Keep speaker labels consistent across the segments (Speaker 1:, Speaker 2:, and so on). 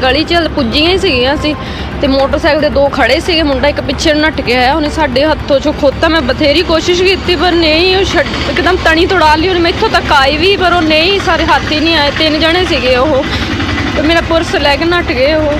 Speaker 1: ਗਲੀ 'ਚ ਪੁੱਜੀਆਂ ਹੀ ਸੀਗੀਆਂ ਅਸੀਂ ਤੇ ਮੋਟਰਸਾਈਕਲ ਦੇ ਦੋ ਖੜੇ ਸੀਗੇ। ਮੁੰਡਾ ਇੱਕ ਪਿੱਛੇ ਨੱਟ ਕੇ ਆਇਆ, ਉਹਨੇ ਸਾਡੇ ਹੱਥੋਂ ਚੋਂ ਖੋਤਾ। ਮੈਂ ਬਥੇਰੀ ਕੋਸ਼ਿਸ਼ ਕੀਤੀ ਪਰ ਨਹੀਂ, ਉਹ ਇੱਕਦਮ ਤਣੀ ਤੋੜਾ ਲਈ ਉਹਨੇ। ਮੈਥੋਂ ਤੱਕ ਆਈ ਵੀ ਪਰ ਉਹ ਨਹੀਂ, ਸਾਰੇ ਹੱਥ ਹੀ ਨਹੀਂ ਆਏ। 3 ਜਣੇ ਸੀਗੇ ਉਹ ਤੇ ਮੇਰਾ ਪਰਸ ਲੈ ਕੇ ਨੱਟ ਗਏ ਉਹ।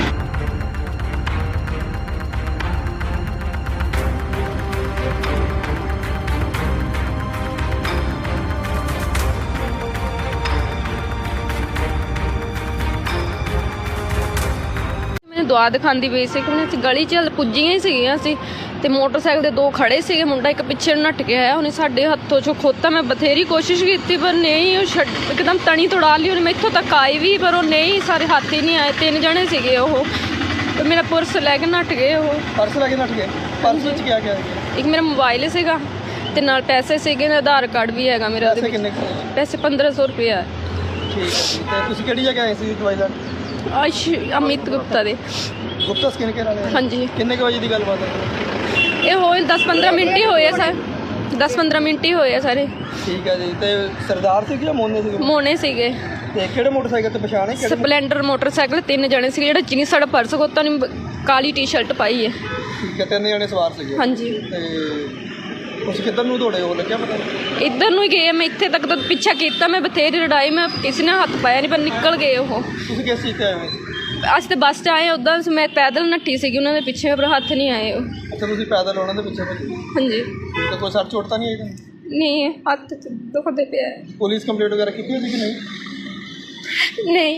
Speaker 1: ਦੁਆ ਦਿਖਾਉਂਦੀ ਪਈ ਸੀ ਕਿ ਅਸੀਂ ਗਲੀ 'ਚ ਪੁੱਜੀਆਂ ਹੀ ਸੀਗੀਆਂ ਅਸੀਂ ਤੇ ਮੋਟਰਸਾਈਕਲ ਦੇ ਦੋ ਖੜੇ ਸੀਗੇ। ਮੁੰਡਾ ਇੱਕ ਪਿੱਛੇ ਨੱਟ ਕੇ ਆਇਆ, ਉਹਨੇ ਸਾਡੇ ਹੱਥੋਂ ਚੋਂ ਖੋਤਾ। ਮੈਂ ਬਥੇਰੀ ਕੋਸ਼ਿਸ਼ ਕੀਤੀ ਪਰ ਨਹੀਂ, ਉਹ ਇੱਕਦਮ ਤਣੀ ਤੋੜਾ ਲਈ ਉਹਨੇ। ਮੈਥੋਂ ਤੱਕ ਆਈ ਵੀ ਪਰ ਉਹ ਨਹੀਂ, ਸਾਰੇ ਹੱਥ ਹੀ ਨਹੀਂ ਆਏ। 3 ਜਣੇ ਸੀਗੇ ਉਹ ਤੇ ਮੇਰਾ ਪਰਸ ਲੈ ਕੇ ਨੱਟ ਗਏ ਉਹ।
Speaker 2: ਪਰਸ ਲੈ ਕੇ ਨੱਟ ਗਏ? ਪਰਸ ਵਿੱਚ ਕੀ ਗਿਆ?
Speaker 1: ਇੱਕ ਮੇਰਾ ਮੋਬਾਈਲ ਸੀਗਾ ਤੇ ਨਾਲ ਪੈਸੇ ਸੀਗੇ, ਆਧਾਰ ਕਾਰਡ ਵੀ ਹੈਗਾ ਮੇਰਾ।
Speaker 2: ਪੈਸੇ ਕਿੰਨੇ?
Speaker 1: ਪੈਸੇ 1500 ਰੁਪਇਆ।
Speaker 2: ਠੀਕ ਹੈ। ਤੇ ਤੁਸੀਂ ਕਿਹੜੀ ਜਗ੍ਹਾ ਆਏ ਸੀ ਦਵਾਈ ਲੈਣ?
Speaker 1: ਅਮਿਤ ਗੁਪਤਾ ਦੇ।
Speaker 2: ਗੁਪਤਾ ਸਕਿਨ ਕੇਅਰ ਵਾਲੇ?
Speaker 1: ਹਾਂਜੀ।
Speaker 2: ਕਿੰਨੇ ਕੁ ਵਜੇ ਦੀ ਗੱਲਬਾਤ ਹੈ?
Speaker 1: ਇਹ ਹੋਏ 10-15 ਮਿੰਟ ਹੀ ਹੋਏ ਆ ਸਰ, 10-15 ਮਿੰਟ ਹੀ ਹੋਏ ਆ ਸਾਰੇ।
Speaker 2: ਠੀਕ ਹੈ ਜੀ। ਤੇ ਸਰਦਾਰ ਸੀ ਜਾਂ ਮੋਨੇ ਸੀ?
Speaker 1: ਮੋਨੇ ਸੀਗੇ।
Speaker 2: ਤੇ ਕਿਹੜੇ ਮੋਟਰਸਾਈਕਲ ਤੇ ਪਛਾਣ ਹੈ?
Speaker 1: Splendor motorcycle. 3 ਜਣੇ ਸੀਗੇ। ਜਿਹੜਾ ਜਿਨੀ ਸਾਡਾ ਪਰਸ ਖੋਤਾ ਨੇ ਕਾਲੀ ਟੀ-ਸ਼ਰਟ ਪਾਈ ਹੈ।
Speaker 2: ਠੀਕ ਹੈ। 3 ਜਣੇ ਸਵਾਰ ਸੀਗੇ?
Speaker 1: ਹਾਂਜੀ।
Speaker 2: ਤੇ ਤੁਸੀਂ ਕਿੱਧਰ ਨੂੰ ਦੌੜੇ ਹੋ, ਲੱਗਿਆ ਪਤਾ?
Speaker 1: ਇੱਧਰ ਨੂੰ ਹੀ ਗਏ। ਮੈਂ ਇੱਥੇ ਤੱਕ ਤਾਂ ਪਿੱਛਾ ਕੀਤਾ, ਮੈਂ ਬਥੇਰੀ ਲੜਾਈ, ਮੈਂ ਕਿਸੇ ਨੇ ਹੱਥ ਪਾਇਆ ਨਹੀਂ ਪਰ ਨਿਕਲ ਗਏ ਉਹ।
Speaker 2: ਤੁਸੀਂ ਕਿਸ ਚੀਜ਼ ਤੇ ਆਏ ਹੋ?
Speaker 1: ਅਸੀਂ ਤਾਂ ਬੱਸ 'ਚ ਆਏ। ਉੱਦਾਂ ਮੈਂ ਪੈਦਲ ਨੱਠੀ ਸੀਗੀ ਉਹਨਾਂ ਦੇ ਪਿੱਛੇ, ਪਰ ਹੱਥ ਨਹੀਂ ਆਏ ਉਹ।
Speaker 2: ਅੱਛਾ, ਤੁਸੀਂ ਪੈਦਲ ਉਹਨਾਂ ਦੇ ਪਿੱਛੇ ਭੱਜੇ?
Speaker 1: ਹਾਂਜੀ।
Speaker 2: ਤੇ ਕੋਈ ਸੱਟ ਚੋਟ ਤਾਂ ਨਹੀਂ ਆਈ ਤੁਹਾਨੂੰ?
Speaker 1: ਨਹੀਂ, ਹੱਥ 'ਚ ਦੁਖਦੇ ਪਿਆ।
Speaker 2: ਪੁਲਿਸ ਕੰਪਲੇਂਟ ਵਗੈਰਾ ਕੀਤੀ ਹੋਈ ਸੀ ਕਿ ਨਹੀਂ?
Speaker 1: ਨਹੀਂ।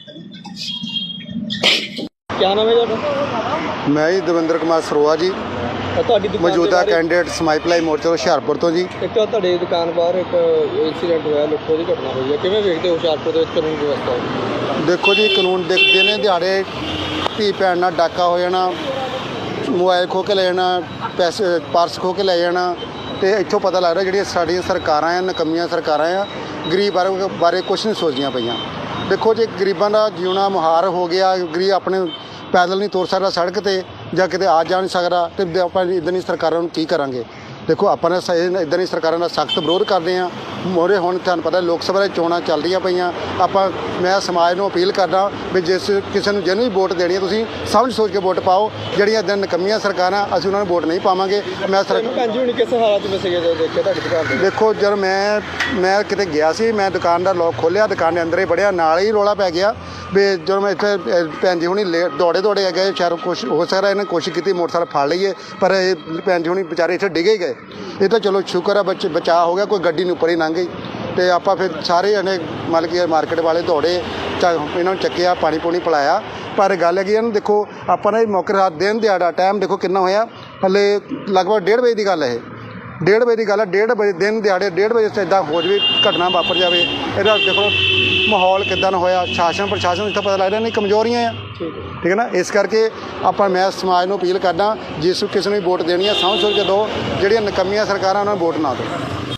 Speaker 2: ਕੀ ਨਾਮ ਹੈ ਤੁਹਾਡਾ?
Speaker 3: ਮੈਂ ਜੀ ਦਵਿੰਦਰ ਕੁਮਾਰ ਸਰੋਆ ਜੀ,
Speaker 2: ਤੁਹਾਡੀ ਦੁਕਾਨ
Speaker 3: ਮੌਜੂਦਾ ਕੈਂਡੀਡੇਟ ਸਮਾਈਪਲਾਈ ਮੋਰਚਾ ਹੁਸ਼ਿਆਰਪੁਰ ਤੋਂ ਜੀ।
Speaker 2: ਇੱਕ ਤੁਹਾਡੇ ਦੁਕਾਨ ਬਾਹਰ ਇੱਕ ਇਨਸੀਡੈਂਟ ਹੋਇਆ, ਲੁੱਟੋ ਦੀ ਘਟਨਾ ਹੋਈ ਹੈ। ਕਿਵੇਂ ਵੇਖਦੇ ਹੋ ਹੁਸ਼ਿਆਰਪੁਰ ਦੇ ਵਿੱਚ ਕਾਨੂੰਨ ਵਿਵਸਥਾ?
Speaker 3: ਦੇਖੋ ਜੀ, ਕਾਨੂੰਨ ਦੇਖਦੇ ਨੇ ਦਿਹਾੜੇ ਧੀ ਭੈਣ ਨਾਲ ਡਾਕਾ ਹੋ ਜਾਣਾ, ਮੋਬਾਈਲ ਖੋਹ ਕੇ ਲੈ ਜਾਣਾ, ਪੈਸੇ ਪਰਸ ਖੋਹ ਕੇ ਲੈ ਜਾਣਾ। ਅਤੇ ਇੱਥੋਂ ਪਤਾ ਲੱਗਦਾ ਜਿਹੜੀਆਂ ਸਾਡੀਆਂ ਸਰਕਾਰਾਂ ਆ, ਨਕੰਮੀਆਂ ਸਰਕਾਰਾਂ ਆ, ਗਰੀਬ ਬਾਰੇ ਕੁਛ ਨਹੀਂ ਸੋਚਦੀਆਂ ਪਈਆਂ। ਦੇਖੋ ਜੀ, ਗਰੀਬਾਂ ਦਾ ਜਿਉਣਾ ਮੁਹਾਰ ਹੋ ਗਿਆ। ਗਰੀਬ ਆਪਣੇ ਪੈਦਲ ਨਹੀਂ ਤੁਰ ਸਕਦਾ ਸੜਕ 'ਤੇ, ਜਾਂ ਕਿਤੇ ਆ ਜਾ ਨਹੀਂ ਸਕਦਾ, ਅਤੇ ਆਪਾਂ ਇੱਦਾਂ ਦੀ ਸਰਕਾਰਾਂ ਨੂੰ ਕੀ ਕਰਾਂਗੇ? ਦੇਖੋ, ਆਪਾਂ ਨੇ ਇੱਦਾਂ ਦੀ ਸਰਕਾਰਾਂ ਦਾ ਸਖਤ ਵਿਰੋਧ ਕਰਦੇ ਹਾਂ। ਮੋਰੇ ਹੁਣ ਤੁਹਾਨੂੰ ਪਤਾ ਲੋਕ ਸਭਾ ਦੀਆਂ ਚੋਣਾਂ ਚੱਲ ਰਹੀਆਂ ਪਈਆਂ। ਮੈਂ ਸਮਾਜ ਨੂੰ ਅਪੀਲ ਕਰਦਾ ਵੀ ਜਿਸ ਕਿਸੇ ਨੂੰ ਜਿਹਨੂੰ ਵੀ ਵੋਟ ਦੇਣੀ ਹੈ, ਤੁਸੀਂ ਸਮਝ ਸੋਚ ਕੇ ਵੋਟ ਪਾਓ। ਜਿਹੜੀਆਂ ਇੱਦਾਂ ਨਕੰਮੀਆਂ ਸਰਕਾਰਾਂ, ਅਸੀਂ ਉਹਨਾਂ ਨੂੰ ਵੋਟ ਨਹੀਂ ਪਾਵਾਂਗੇ।
Speaker 2: ਭੈਣ ਜੀ ਹੁਣ ਕਿਸ ਹਾਲਾਤ ਵਿੱਚ ਸੀਗੇ ਜਦੋਂ ਦੇਖਿਆ ਤੁਹਾਡੀ ਦੁਕਾਨ ਤੇ?
Speaker 3: ਦੇਖੋ, ਜਦ ਮੈਂ ਕਿਤੇ ਗਿਆ ਸੀ, ਮੈਂ ਦੁਕਾਨ ਦਾ ਲੋਕ ਖੋਲ੍ਹਿਆ, ਦੁਕਾਨ ਦੇ ਅੰਦਰ ਹੀ ਵੜਿਆ, ਨਾਲ ਹੀ ਰੌਲਾ ਪੈ ਗਿਆ ਵੀ ਜਦੋਂ ਮੈਂ ਇੱਥੇ ਭੈਣ ਜੀ ਹੁਣੀ ਦੌੜੇ ਗਏ। ਸ਼ਾਇਦ ਕੁਛ ਹੋ ਸਕਦਾ ਇਹਨਾਂ ਕੋਸ਼ਿਸ਼ ਕੀਤੀ ਮੋਟਰਸਾਈਕਲ ਫੜ ਲਈਏ, ਪਰ ਇਹ ਭੈਣ ਜੀ ਹੁਣੀ ਵਿਚਾਰੇ ਇੱਥੇ ਡਿੱਗੇ ਗਏ। ਇਹ ਤਾਂ ਚਲੋ ਸ਼ੁਕਰ ਆ ਬਚਾਅ ਹੋ ਗਿਆ, ਕੋਈ ਗੱਡੀ ਨੂੰ ਉੱਪਰ ਹੀ ਲੰਘ ਗਈ। ਅਤੇ ਆਪਾਂ ਫਿਰ ਸਾਰੇ ਜਣੇ ਮਤਲਬ ਕਿ ਮਾਰਕੀਟ ਵਾਲੇ ਦੌੜੇ, ਇਹਨਾਂ ਨੂੰ ਚੱਕਿਆ, ਪਾਣੀ ਪੂਣੀ ਪਿਲਾਇਆ। ਪਰ ਗੱਲ ਹੈਗੀ ਇਹਨੂੰ ਦੇਖੋ, ਆਪਾਂ ਨੇ ਮੌਕੇ ਰਾਤ ਦਿਨ ਦਿਹਾੜਾ ਟਾਈਮ ਦੇਖੋ ਕਿੰਨਾ ਹੋਇਆ, ਹਲੇ ਲਗਭਗ 1:30 ਵਜੇ ਦੀ ਗੱਲ ਹੈ। ਇਹ 1:30 ਵਜੇ ਦੀ ਗੱਲ ਹੈ। 1:30 ਵਜੇ ਦਿਨ ਦਿਹਾੜੇ 1:30 ਵਜੇ ਇੱਦਾਂ ਹੋ ਜਾਵੇ, ਘਟਨਾ ਵਾਪਰ ਜਾਵੇ। ਇਹਦਾ ਦੇਖੋ ਮਾਹੌਲ ਕਿੱਦਾਂ ਦਾ ਹੋਇਆ। ਸ਼ਾਸਨ ਪ੍ਰਸ਼ਾਸਨ ਇੱਥੋਂ ਪਤਾ ਲੱਗਦਾ ਨਹੀਂ ਕਮਜ਼ੋਰੀਆਂ ਆ। ਠੀਕ ਹੈ ਨਾ। ਇਸ ਕਰਕੇ ਮੈਂ ਸਮਾਜ ਨੂੰ ਅਪੀਲ ਕਰਦਾ, ਜਿਸ ਕਿਸੇ ਨੂੰ ਵੀ ਵੋਟ ਦੇਣੀ ਹੈ ਸਮਝ ਸੋਚ ਕੇ ਦਿਓ। ਜਿਹੜੀਆਂ ਨਕੰਮੀਆਂ ਸਰਕਾਰਾਂ ਉਹਨਾਂ ਨੂੰ ਵੋਟ ਨਾ ਦਿਓ।